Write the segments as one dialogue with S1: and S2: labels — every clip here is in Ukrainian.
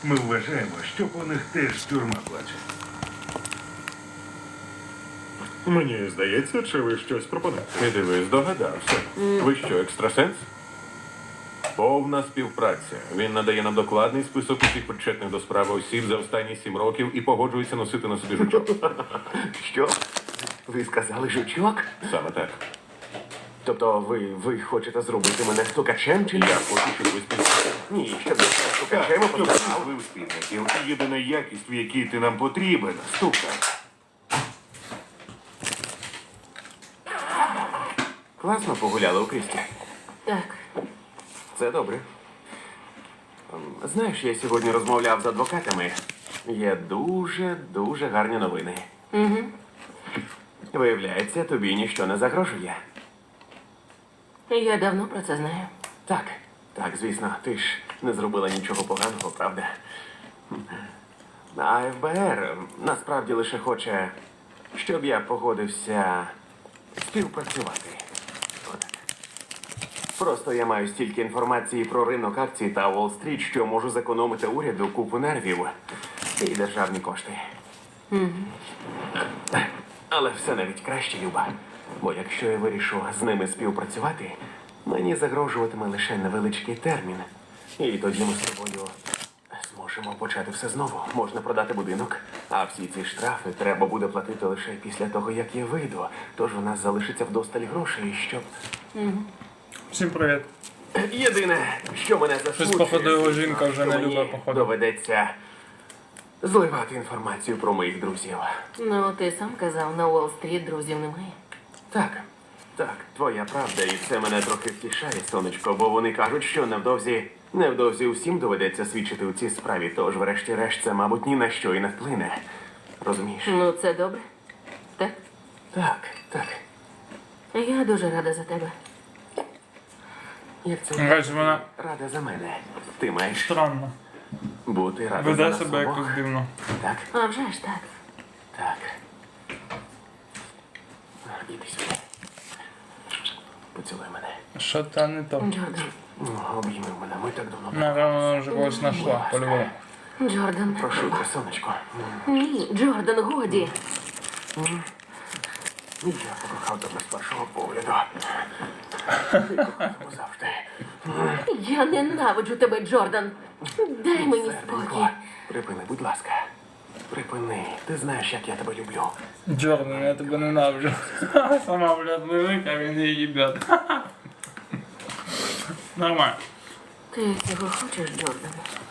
S1: Ми вважаємо, що по них теж тюрма плаче.
S2: Мені здається, чи ви щось пропонуєте? І диви, здогадався. Ви що, екстрасенс? Повна співпраця. Він надає нам докладний список усіх причетних до справи осіб за останні 7 років і погоджується носити на собі жучок.
S3: Що? Ви сказали жучок?
S2: Саме так.
S3: Тобто ви хочете зробити мене стукачем чи ні?
S2: Я хочу, щоб ви співпрацювали.
S3: Ні, щоб я став стукачем, а
S2: Щоб
S3: поставив.
S2: ви спільників. І єдина якість, в якій ти нам потрібен.
S3: Стукач. Класно погуляли у Крісті.
S4: Так.
S3: Це добре. Знаєш, я сьогодні розмовляв з адвокатами. Є дуже гарні новини.
S4: Угу.
S3: Виявляється, тобі ніщо не загрожує.
S4: Я давно про це знаю.
S3: Так, звісно, ти ж не зробила нічого поганого, правда? А ФБР насправді лише хоче, щоб я погодився співпрацювати. Отак. Просто я маю стільки інформації про ринок акцій та Уолл-стріт, що можу зекономити уряду купу нервів і державні кошти. Але все навіть краще, Люба. Бо якщо я вирішу з ними співпрацювати, мені загрожуватиме лише невеличкий термін. І тоді ми з тобою зможемо почати все знову. Можна продати будинок, а всі ці штрафи треба буде платити лише після того, як я вийду. Тож у нас залишиться вдосталь грошей, щоб...
S5: Всім привіт.
S3: Єдине, що мене засмучує,
S5: походу, його
S3: звісно,
S5: жінка вже
S3: що
S5: не
S3: мені
S5: любить, походу.
S3: доведеться зливати інформацію про моїх друзів.
S4: Ну, ти сам казав, на Уолл-стріт друзів немає.
S3: Так, твоя правда, і це мене трохи втішає, сонечко, бо вони кажуть, що невдовзі усім доведеться свідчити у цій справі, тож врешті-решт це, мабуть, ні на що і не вплине. Розумієш?
S4: Ну, це добре. Так?
S3: Так.
S4: Я дуже рада за тебе.
S3: Як це
S5: Гась, вона
S3: рада за мене. Ти маєш
S5: странно.
S3: бути рада за
S5: Веде
S3: нас
S5: себе
S3: обох.
S5: якось дивно.
S3: Так,
S4: А вже ж так.
S3: так. Іди сюди. Поцілуй мене.
S5: Що та не то.
S4: Джордан.
S3: Обійми мене, ми так давно.
S5: Напевно, вона вже когось знайшла, по-любому.
S4: Джордан.
S3: Прошу тебе, сонечко.
S4: Ні, Джордан, годі.
S3: Я покохав тебе з першого погляду. Ти кохав завжди.
S4: Я ненавиджу тебе, Джордан. Дай мені спокій.
S3: Серденько, припини, будь ласка. Припини. Ти знаєш, як я тебе люблю.
S5: Джордан, я тебе ненавиджу. Сама, блядь, лежить, а він її їбет. Нормально.
S4: Ти цього хочеш, Джордан?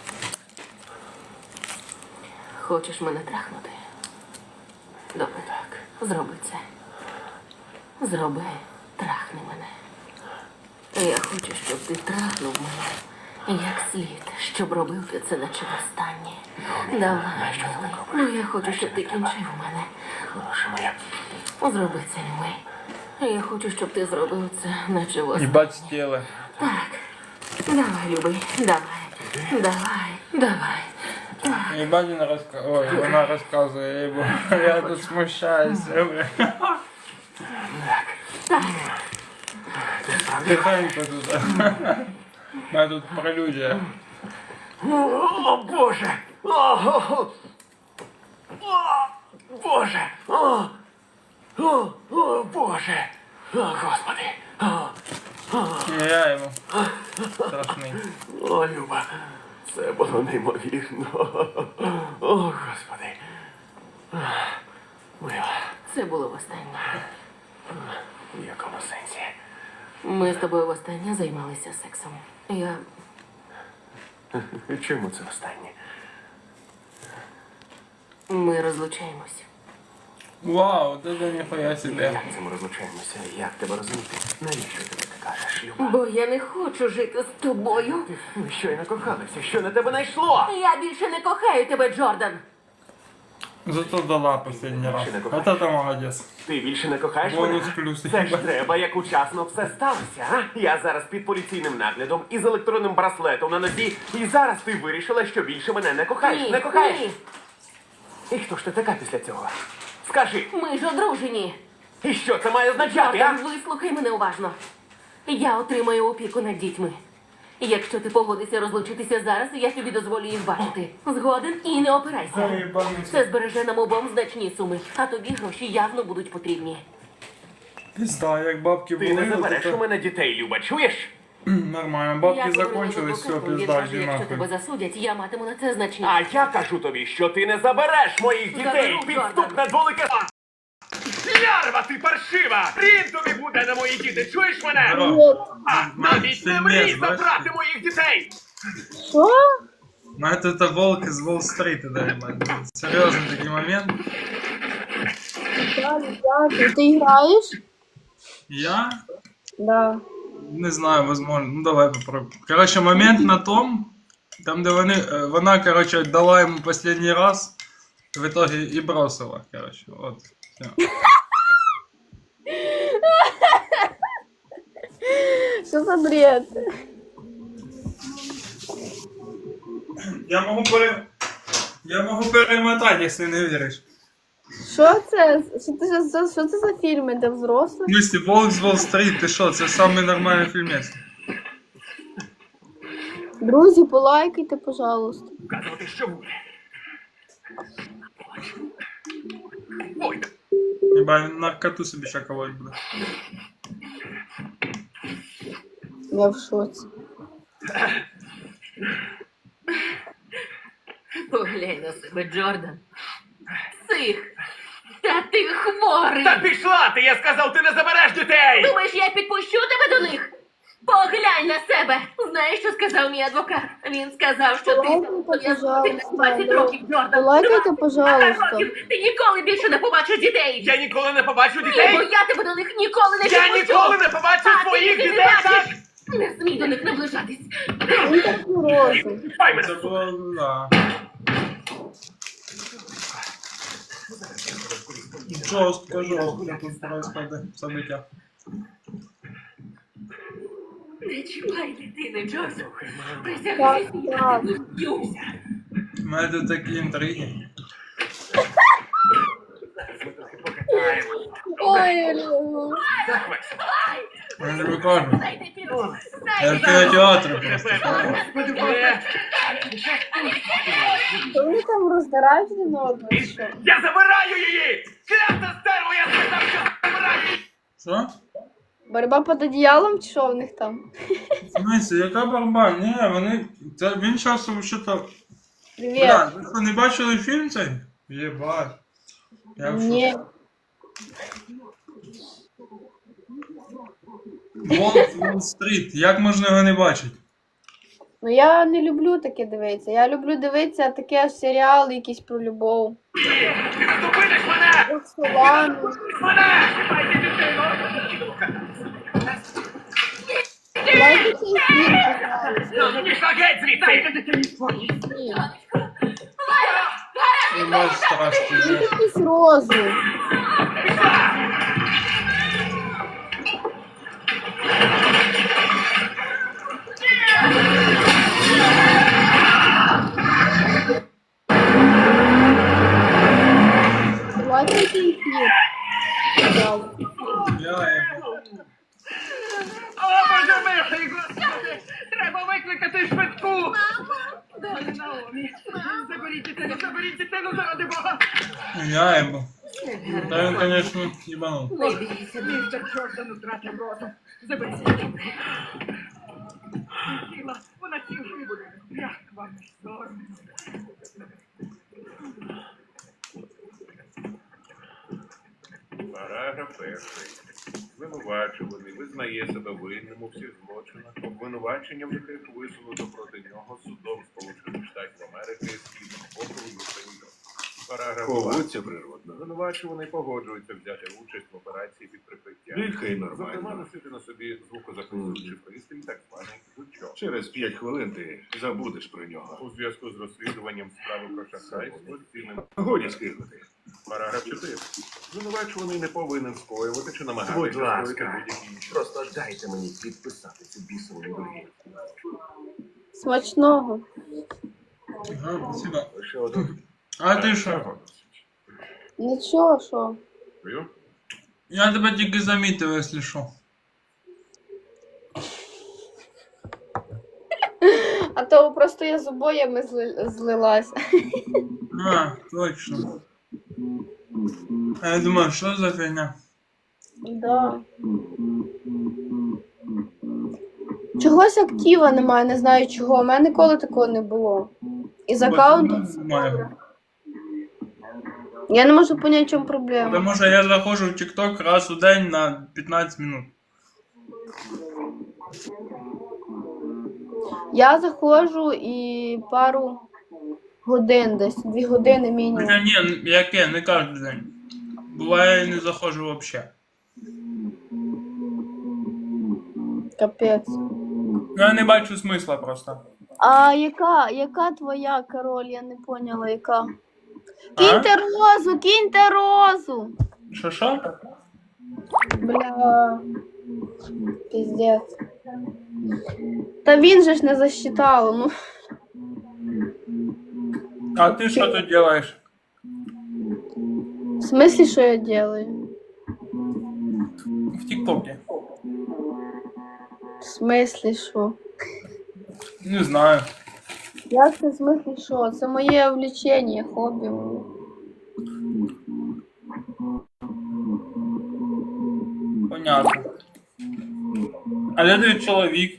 S4: Хочеш мене трахнути? Добре, так. Зроби це. Зроби, трахни мене. Я хочу, щоб ти трахнув мене як слід, щоб робив ти це наче востаннє. Давай, милий. Ну, я хочу, щоб ти кінчив мене.
S3: Хороша моя.
S4: Зроби це, любий. Я хочу, щоб ти зробив це наче востаннє.
S5: Їбать стіли.
S4: Так. Давай, любий. Давай.
S5: Їбать вона розказує. Ой, вона розказує, їбо. Я тут смущаюся, блядь. Тихенько тут. У мене тут прелюдія.
S3: О, Боже! О, Боже! О, Боже! О, Господи!
S5: Я йому. Страшний.
S3: О, Люба, це було неймовірно. О, Господи. Мила,
S4: Це було востаннє.
S3: в якому сенсі?
S4: Ми з тобою востаннє займалися сексом.
S3: Чому це останнє?
S4: Ми розлучаємось.
S5: Вау, це ніхуя собі.
S3: Як це ми розлучаємося? Як тебе розуміти? Навіщо ти таке кажеш, Люба?
S4: Бо я не хочу жити з тобою.
S3: Ми щойно кохалися. Що на тебе найшло?
S4: Я більше не кохаю тебе, Джордан.
S5: Зато дала последний раз. Вот это молодец.
S3: Ти більше не кохаєш
S5: Бонус
S3: мене?
S5: плюс.
S3: Це ж треба, як учасно все сталося, а? Я зараз під поліційним наглядом і з електронним браслетом на нозі. І зараз ти вирішила, що більше мене не кохаєш.
S4: Ні,
S3: Не кохаєш?
S4: ні.
S3: І хто ж ти така після цього? Скажи,
S4: Ми ж одружені.
S3: і що це має означати, а?
S4: Джордан, вислухай мене уважно. Я отримаю опіку над дітьми. Якщо ти погодишся розлучитися зараз, я тобі дозволю їх бачити. Згоден і не опирайся.
S5: Заєбанися.
S4: Це збереже нам обом значні суми, а тобі гроші явно будуть потрібні.
S5: Пізда, як бабки
S3: Ти не
S5: були,
S3: забереш у
S5: то
S3: мене дітей, Люба, чуєш?
S5: нормально. Бабки
S4: Я говорила
S5: закончились,
S4: з
S5: все,
S4: адвокатом, він
S5: пізда,
S4: каже,
S5: йди
S4: якщо тебе
S5: нахуй.
S4: засудять, я матиму на це значні.
S3: А я кажу тобі, що ти не забереш моїх дітей!
S4: Заберу,
S3: Підступна дволика... Лярва, ти паршива! Рін тобі буде на мої діти, чуєш мене? А, навіть не мрій забрати моїх дітей!
S6: Що?
S5: Ну это волк из Уолл-стрита, да, ебать. Серьезный такой момент.
S6: Дякую, дякую. Ти граєш?
S5: Я
S6: Да.
S5: не знаю, возможно. Ну давай попробуем. Короче, момент на том, там, де вона, короче, дала ему последний раз, в итоге и бросила, короче, вот. Всё.
S6: Що за бред?
S5: Я могу перемотать, если не веришь.
S6: Що це? Що це за фільми, де
S5: В
S6: взрослі?
S5: смысле, волк з Уолл-стрит, ти що, це самий нормальний фільмець.
S6: Друзі, полайкайте, пожалуйста.
S3: Казувати, що буде. Ой,
S5: Єба, він наркоту собі ще колоть буде.
S6: Я в шоці.
S4: Поглянь на себе, Джордан. Псих! Та ти хворий!
S3: та пішла ти, я сказав, ти не забереш дітей!
S4: Думаєш, я підпущу тебе до них? Поглянь на себе! Знаєш, що сказав мій адвокат? Він сказав, що ти
S6: Полайкайте,
S4: пов'язаний на 20
S6: пожалуйста.
S4: років, Джордан.
S6: Полайкайте,
S4: 20
S6: пожалуйста.
S4: років. Ти ніколи більше не побачиш дітей!
S3: Я ніколи не побачу
S4: Ні, бо
S3: дітей!
S4: я тебе до них ніколи не
S3: Я
S4: підпущу!
S3: ніколи не побачу
S4: А,
S3: своїх
S4: ти не
S3: дітей, так?
S4: бачиш? Не смій до них наближатись!
S6: Він так розум.
S3: Ай мене!
S5: Це було, да. Жорстко, тут происходит события.
S4: Не чіпай дитини, Джордан!
S6: Так,
S4: Присягайся, я
S6: так.
S4: не б'юся!
S5: У мене тут такі інтриги.
S6: Ой, Олегу.
S5: Я не викажу.
S4: Дайте піду!
S5: Я в кінотеатрі просто.
S6: Вони там роздирають один одного, чи що?
S3: Я забираю її! Клята стерво, я сказав, що забираю її!
S5: Що?
S6: Борьба під одіялом, чи що в них там?
S5: В смысле, яка борьба? Ні, вони... Це він зараз що-то...
S6: Привіт.
S5: Бля, ви що, не бачили фільм цей? Єбать. Я в
S6: Ні.
S5: шоці. Волк з Уолл-стріт. Як можна його не бачити?
S6: Ну я не люблю таке дивитися. Я люблю дивитися таке серіали якісь про любов.
S3: Ти не зупиниш мене!
S6: Роксолану.
S3: Мене! Чіпайте дитину!
S6: Лайкайте цей фільм, пожалуйста.
S3: Пішла геть звідси!
S6: Ні.
S5: Єбать страшно.
S6: Він якийсь розум. Лайкайте цей фільм. Пожалуйста.
S3: О, Боже милий, Господи! Треба викликати швидку! Далі Наомі! Заберіть дитину заради Бога!
S5: Я ебу. Да він, конечно, ебанул.
S4: Не бійся,
S3: Містер Джордан втратив розум. Заберіть дитину. Тіла, вона цілий буде. Як вам не соромно?
S1: Параграф 1. Звинувачуваний визнає себе винним у всіх злочинах, обвинуваченням яких висунуто проти нього судом Сполучених Штатів Америки Східного округу міста Нью-Йорк. Параграф 2.
S7: Поводься природно.
S1: Звинувачуваний погоджується взяти участь в операції під прикриттям.
S7: Дихай
S1: Зокрема,
S7: нормально.
S1: носити на собі звукозаписуючий пристрій, так званий звучок.
S7: Через 5 хвилин ти забудеш про нього.
S1: У зв'язку з розслідуванням справи про шахрайство з цінним.
S7: Годі скинути.
S1: Параграф 4. Звинувачуваний не повинен скоювати чи намагатися
S7: Будь ласка.
S1: скоїти будь-які інші.
S7: Просто дайте мені підписати цю бісову індулгенцію.
S6: Смачного.
S5: Ага, спасибо.
S7: Лише один.
S5: А ти що?
S6: Нічого, що?
S1: Дякую.
S5: Я тебе тільки замітив, якщо що.
S6: А то просто я з обоями злилась.
S5: А, точно. А я думаю, що за фігня?
S6: Да. Чогось актива немає, не знаю чого. У мене ніколи такого не було. І з аккаунтом.
S5: Немає.
S6: Я не можу поняти, в чому проблема.
S5: Тому що я заходжу в TikTok раз у день на 15 минут.
S6: Я заходжу і пару годин десь, 2 години мінімум.
S5: Хоча ні, яке, не кожен день. Буває, я не заходжу взагалі.
S6: Капець.
S5: Я не бачу смисла просто.
S6: А яка твоя король? Я не поняла, яка. Киньте розу, киньте розу!
S5: Що?
S6: Бля. Піздець. Та він же ж не засчитав, ну.
S5: А ти що тут робиш?
S6: В смислі, що я делаю?
S5: В ТикТоке.
S6: В смислі, що?
S5: Не знаю.
S6: Як це в смислі, що? Це моє влечення, хобі моє.
S5: Понятно. А де твій чоловік?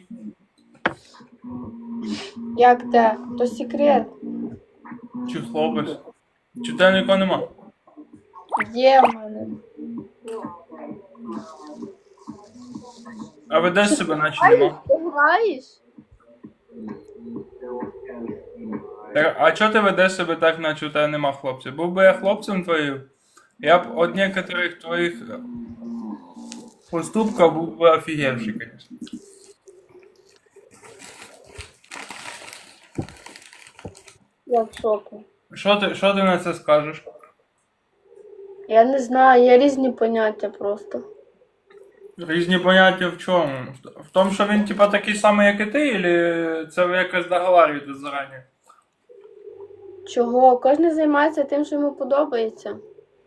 S6: Як те? То секрет.
S5: Чи хлопець? Чи в тебе нікого нема?
S6: Є в мене.
S5: А ведеш себе наче нема?
S6: Ти граєш?
S5: Так, а чого ти ведеш себе так, наче у тебе нема хлопців? Був би я хлопцем твоїм, я б від некоторих твоїх поступків був би офігевший, звісно.
S6: Я в шоку.
S5: Що ти на це скажеш?
S6: Я не знаю, є різні поняття просто.
S5: Різні поняття в чому? В тому, що він типа такий самий, як і ти, чи це ви якось договарюєте зарані?
S6: Чого? Кожен займається тим, що йому подобається.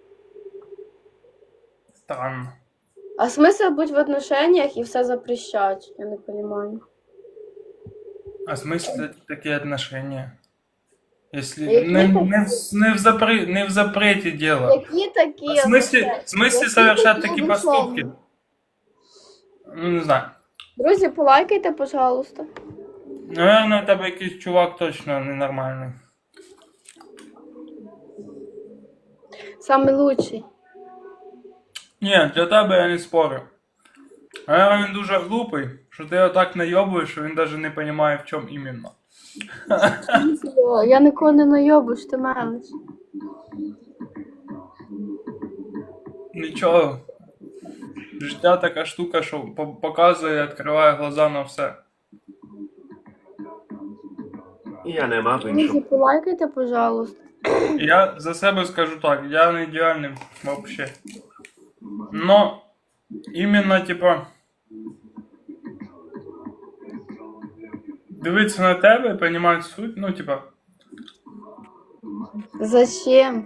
S5: Странно.
S6: А смисл бути в отношениях і все запрещать? Я не розумію.
S5: А смысл это такие отношения? Если
S6: Какие
S5: не в запрете дело.
S6: Які такі?
S5: В смысле совершать такие поступки? Ну, не знаю.
S6: Друзі, полайкайте, пожалуйста.
S5: Наверное, у тебе якийсь чувак точно ненормальний.
S6: Самий лучший.
S5: Ні, для тебе я не спорю. Наверное, він дуже глупий, що ти його так найобуєш, що він навіть не розуміє, в чому іменно.
S6: Я нікого не найобу, що ти мелиш.
S5: Нічого. Життя така штука, що показує і відкриває глаза на все.
S3: Я не мав
S6: Друзі,
S3: іншого.
S6: полайкайте, пожалуйста.
S5: Я за себе скажу так, я не ідеальний вообще. Но іменно, типа, дивитися на тебе і розуміти суть, ну, типа,
S6: Зачем?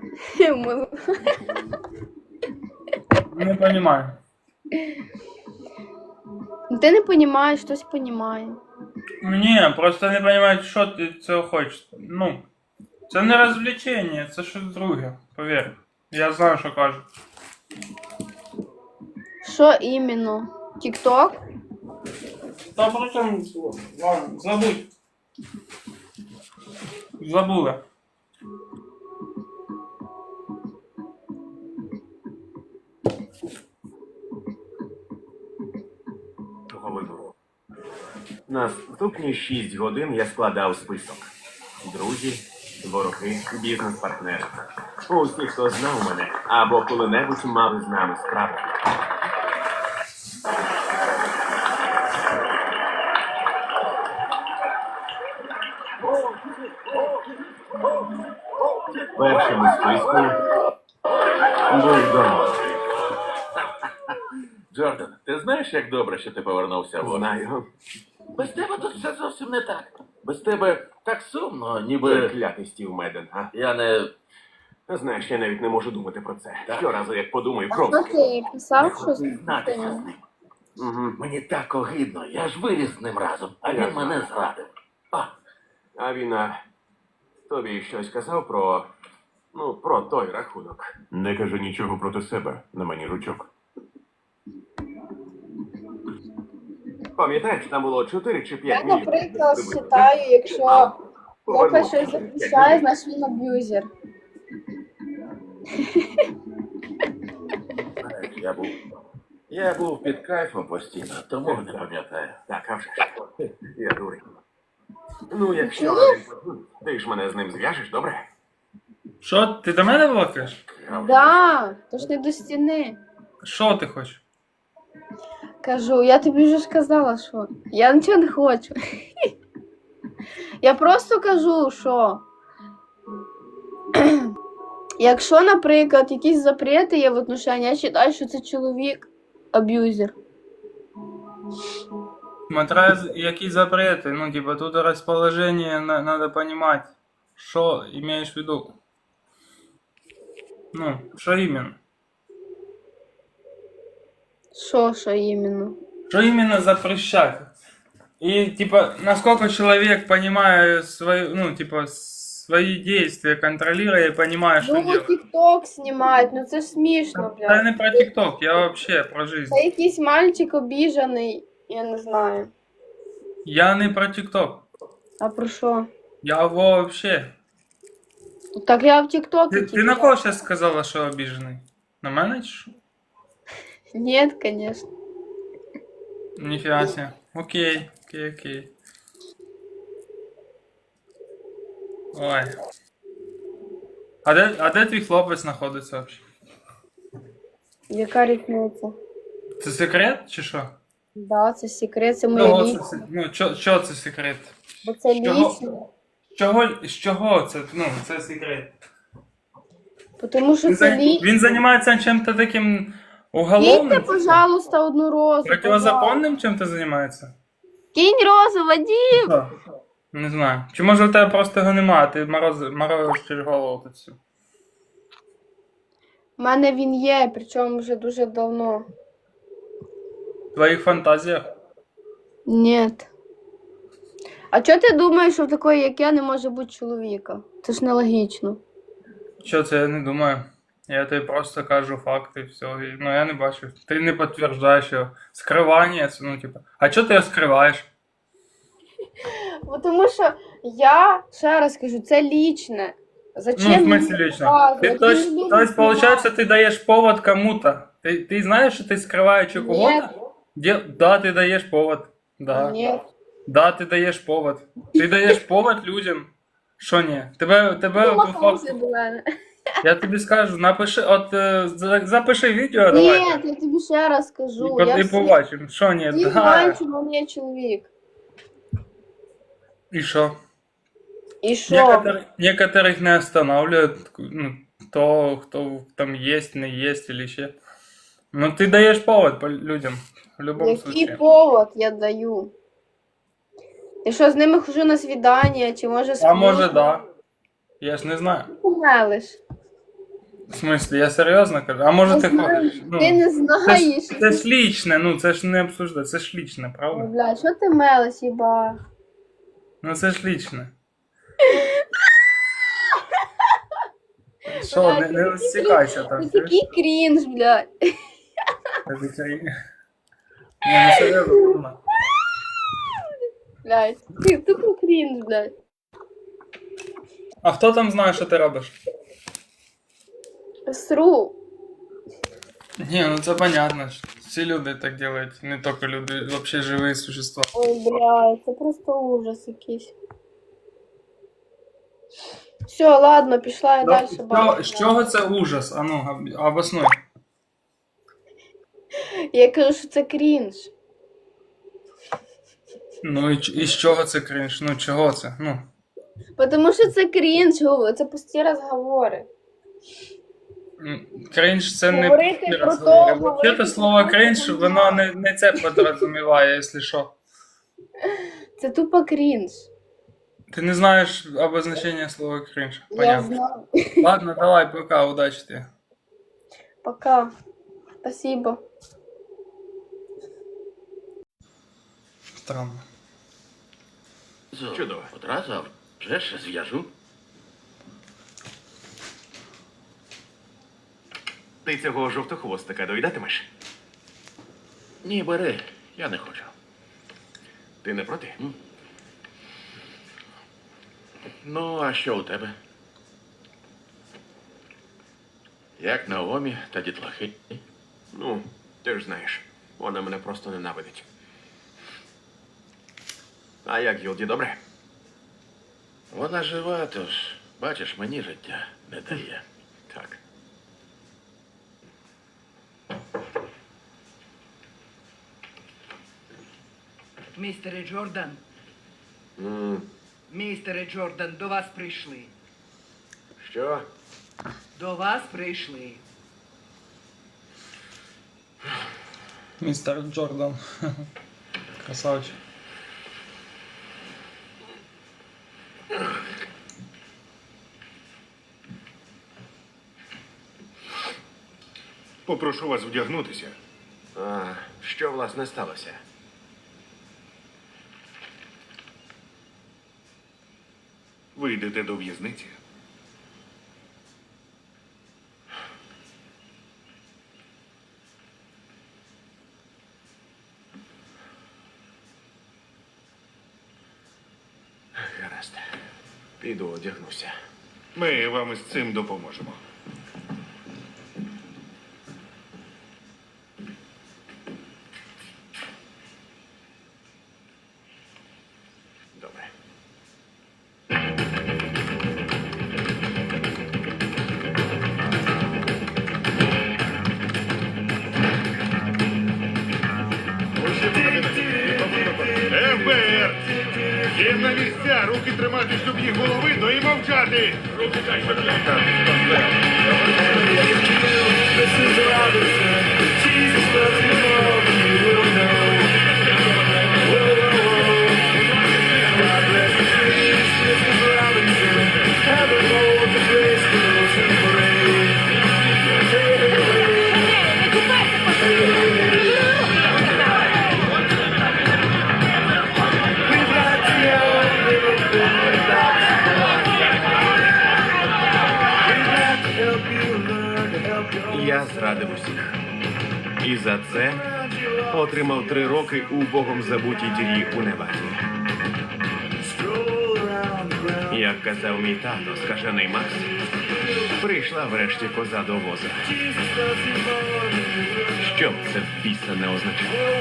S5: не розумію.
S6: Ти не розумієш, хтось розуміє.
S5: Ні, просто не розумію, що ти цього хочеш. Ну, це не розвлечення, це щось друге, повір. Я знаю, що кажу.
S6: Що іменно? Тік-ток?
S5: Та причому, ладно, забудь. Забула.
S3: Того вибору. Наступні 6 годин я складав список. Друзі, вороги, бізнес-партнери. Усі, хто знав мене, або коли-небудь мали з нами справу. Першим у списку був Дональд.
S2: Джордан, ти знаєш, як добре, що ти повернувся в
S3: Знаю.
S2: Без тебе тут все зовсім не так. Без тебе так сумно, ніби.
S3: Клятий Стів Меден, а?
S2: Я не.
S3: Знаєш, я навіть не можу думати про це.
S2: Так.
S3: Щоразу, як подумаю,
S6: А
S3: кров.
S6: що ти писав щось?
S2: Знатися з ним.
S3: Угу.
S2: Мені так огидно, я ж виріс з ним разом, а
S3: Я
S2: він
S3: знаю.
S2: мене зрадив. А,
S3: А він тобі щось казав про. Ну, про той рахунок.
S2: Не кажи нічого проти себе, на мені жучок.
S3: Пам'ятаєш, там було 4 чи 5
S6: Я,
S3: мільйонів.
S6: наприклад,
S3: приблизно.
S6: вважаю, якщо хлопець
S3: Повернути
S6: щось
S3: 5
S6: захищає,
S3: мільйонів.
S6: значить він аб'юзер.
S7: Я був під кайфом постійно, тому не пам'ятаю.
S3: Так, а вже ж. Я дурень. Ну, якщо він подзвонить, ти ж мене з ним зв'яжеш, добре?
S5: Що, ти до мене балакаєш?
S6: Да, то ж не до стіни.
S5: Що ти хочеш?
S6: Кажу, я тобі вже ж казала, що я нічого не хочу. Я просто кажу, що якщо, наприклад, якісь запрети є в отношенні, я вважаю, що це чоловік аб'юзер.
S5: Смотря які запрети, ну, типа, тут расположение надо понимать, что имеешь в виду. Ну, что именно?
S6: Що іменно?
S5: Что именно запрещать? И, типа, насколько человек понимает свои, ну, типа, свои действия, контролируя и понимая, что
S6: Ну,
S5: делать.
S6: тік-ток знімають, ну це ж смішно,
S5: Я
S6: блядь.
S5: не про ТикТок, я вообще про жизнь.
S6: Це якийсь мальчик обіжаний, я не знаю.
S5: Я не про ТикТок.
S6: А про що?
S5: Я вообще.
S6: Так я в тік-токі.
S5: Ты на кого сейчас сказала, что обиженный? На мене чи що?
S6: Ні, звісно.
S5: Нифига себе. Окей, окей. Ой. А де твій хлопець знаходиться вообще?
S6: Яка різниця?
S5: Це секрет чи що?
S6: Да, це секрет, це моє
S5: Чого
S6: лічне.
S5: це, ну, чого це секрет?
S6: Бо це
S5: Чого?
S6: лічне.
S5: З чого це, ну, це секрет?
S6: Тому що це лічне.
S5: Він займається чим-то таким
S6: Киньте,
S5: уголовним?
S6: пожалуйста, одну розу. пожалуйста.
S5: Противозаконним чим-то займається?
S6: Кинь розу, Вадим!
S5: Що? Не знаю. Чи може в тебе просто його немає, ти морозиш через голову тут всю?
S6: У мене він є, причому вже дуже давно.
S5: В твоїх фантазіях?
S6: Ні. А чого ти думаєш, що в такої, як я, не може бути чоловіка? Це ж нелогічно.
S5: Що це я не думаю. Я тобі просто кажу факти і все. Ну я не бачу. Ти не підтверджуєш його. Скривання, це, ну типу. А чого ти його скриваєш?
S6: Бо тому що я, ще раз кажу, це лічне. Зачем
S5: Ну, в
S6: мені
S5: смысле лично?
S6: показувати?
S5: Ты, то
S6: Я
S5: есть,
S6: не люблю
S5: то есть,
S6: знімати.
S5: получается, ты даешь повод кому-то. Ты знаешь, что ты скрываешь у кого-то? Да, ты даешь повод. Да.
S6: Ні.
S5: Да, ты даешь повод. Ты даешь повод людям. Що ні? Тебе по
S6: Помахався
S5: факту.
S6: до мене.
S5: Я тобі скажу, напиши, запиши відео,
S6: Ні,
S5: давай.
S6: я тобі ще раз кажу.
S5: І,
S6: Я
S5: і побачимо. Що ні?
S6: всі
S5: Да.
S6: знають, що він є чоловік.
S5: І що?
S6: І що?
S5: Некоторых не останавливает, ну, то, кто там есть, не есть или еще. Ну, ты даешь повод по людям, в любом
S6: Який
S5: случае.
S6: повод я даю? Я що, з ними хожу на свідання, чи може
S5: А може, да. Я ж не знаю.
S6: помелиш?
S5: В смысле, я серйозно кажу. А може
S6: Не
S5: ти
S6: знаю,
S5: ходиш? Ну,
S6: ти не
S5: це
S6: знаєш.
S5: ж, це ж лічне, ну це ж не обсуждати, це ж лічне, правда?
S6: Бля, що ти мелиш, їба?
S5: Ну це ж лічне. Що, не розсікайся там.
S6: Це такий крінж, блядь.
S5: Ні, ну серйозно, Руна.
S6: Блядь, ти тупо крінж, блядь.
S5: А хто там знає, що ти робиш?
S6: Сру.
S5: Ні, ну це понятно. Всі люди так делають, не тільки люди, вообще живі существа.
S6: Ой, блядь, це просто ужас якийсь. Все, ладно, пішла я далі.
S5: З чого це ужас? А ну, обоснуй.
S6: Я кажу, що це крінж.
S5: Ну і з чого це крінж? Ну чого це? Ну.
S6: Тому що це крінж, це пусті розговори.
S5: Крінж це не
S6: Говорити
S5: пусті
S6: про
S5: розговори.
S6: то,
S5: Взагалі
S6: говорити
S5: слово
S6: про
S5: крінж,
S6: то,
S5: воно не це підрозуміває, якщо що.
S6: Це тупо крінж.
S5: Ти не знаєш обозначення слова крінж.
S6: Я
S5: Понятно.
S6: знаю.
S5: Ладно, давай, пока, удачи тебе.
S6: Пока. Спасибо.
S5: Странно.
S3: Чудово.
S7: Одразу? Вже ж зв'яжу.
S3: Ти цього жовтохвостика доїдатимеш?
S7: Ні, бери, я не хочу.
S3: Ти не проти?
S7: Ну, а що у тебе? Як Наомі та дітлахи?
S3: Ну, ти ж знаєш, вона мене просто ненавидить. А як Гілді, добре?
S7: Вона жива, тож, бачиш, мені життя не дає.
S3: Так.
S8: Містере Джордан,
S3: М,
S8: містере Джордан, до вас прийшли.
S3: Що?
S8: До вас прийшли.
S5: Містер Джордан. Красавчик.
S9: Попрошу вас вдягнутися.
S3: А, що, власне, сталося?
S9: Ви йдете до в'язниці.
S3: Гаразд. Піду одягнуся.
S9: Ми вам із цим допоможемо.
S3: Добре.
S9: ФБР! Всім на місця! Руки тримати, щоб їх було видно і мовчати! Руки дай
S3: Я зрадив усіх. І за це отримав 3 роки у богом забутій дірі у Неваді. Як казав мій тато, скажений Макс, прийшла врешті коза до воза. Що б це в біса не означало?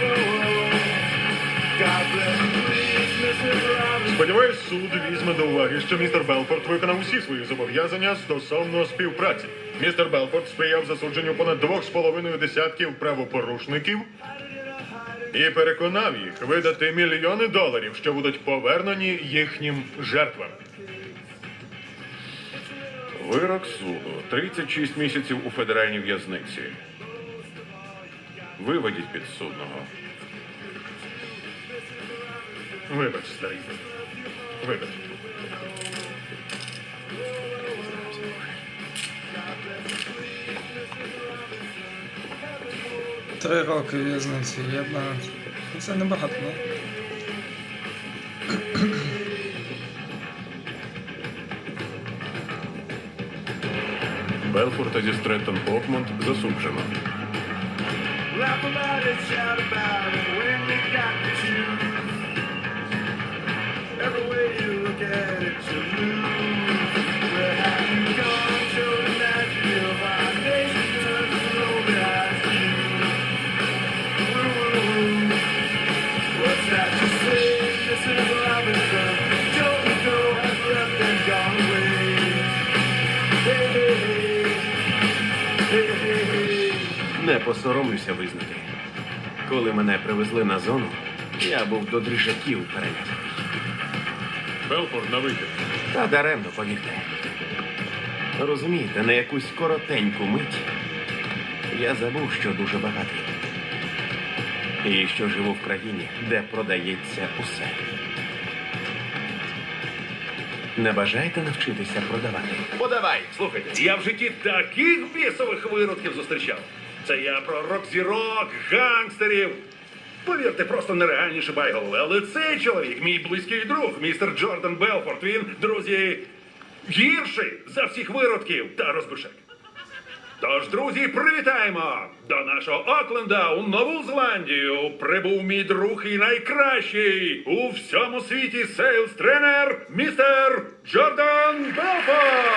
S9: Сподіваюсь, суд візьме до уваги, що містер Белфорд виконав усі свої зобов'язання стосовно співпраці. Містер Белфорд сприяв засудженню понад 2,5 десятків правопорушників і переконав їх видати мільйони доларів, що будуть повернені їхнім жертвам. Вирок суду. 36 місяців у федеральній в'язниці. Виведіть підсудного. Вибач, старий. Вибач.
S5: Три роки в'язниці, єдна. Ну, це небагато, не?
S2: Белфорта зі Стреттон Окмонд засуджено.
S3: Не посоромлюся визнати. Коли мене привезли на зону, я був до дрижаків переляканий.
S9: Белфорд на вихід.
S3: Та даремно, повірте. Розумієте, на якусь коротеньку мить я забув, що дуже багатий. І що живу в країні, де продається усе. Не бажаєте навчитися продавати?
S1: Подавай, слухайте, я в житті таких бісових виродків зустрічав. Це я про рок-зірок, гангстерів.
S10: Повірте, просто нереальні шибайголови. Але цей чоловік, мій близький друг, містер Джордан Белфорд, він, друзі, гірший за всіх виродків та розбишек. Тож, друзі, привітаємо! До нашого Окленда у Нову Зеландію прибув мій друг і найкращий у всьому світі сейлс-тренер містер Джордан Белфорд!